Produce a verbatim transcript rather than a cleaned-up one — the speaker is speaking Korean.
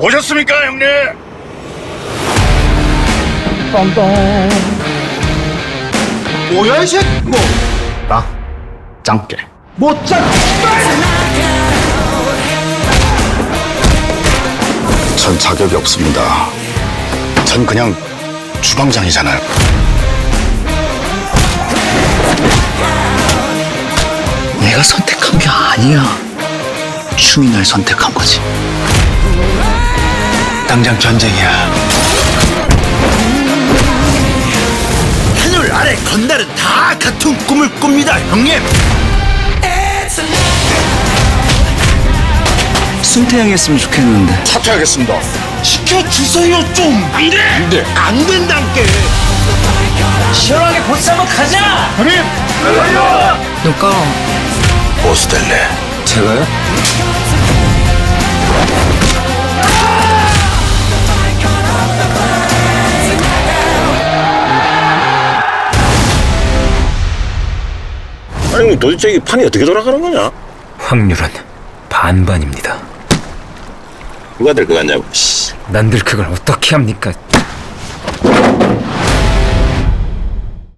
오셨습니까, 형님? 뭐야 이 새끼 뭐 나 짱깨. 못 짠. 전 자격이 없습니다. 전 그냥 주방장이잖아요. 내가 선택한 게 아니야. 춤이 날 선택한 거지. 당장 전쟁이야. 하늘 아래 건달은 다 같은 꿈을 꿉니다 형님. 승태형이 했으면 좋겠는데. 사퇴하겠습니다. 시켜주세요 좀. 안돼 안돼. 안 된다께. 시원하게 보스 한번 가자. 형님! 누가? 보스 될래? 제가요? 아니 도대체 이 판이 어떻게 돌아가는 거냐? 확률은 반반입니다. 누가 될 것 같냐고. 난들 그걸 어떻게 합니까?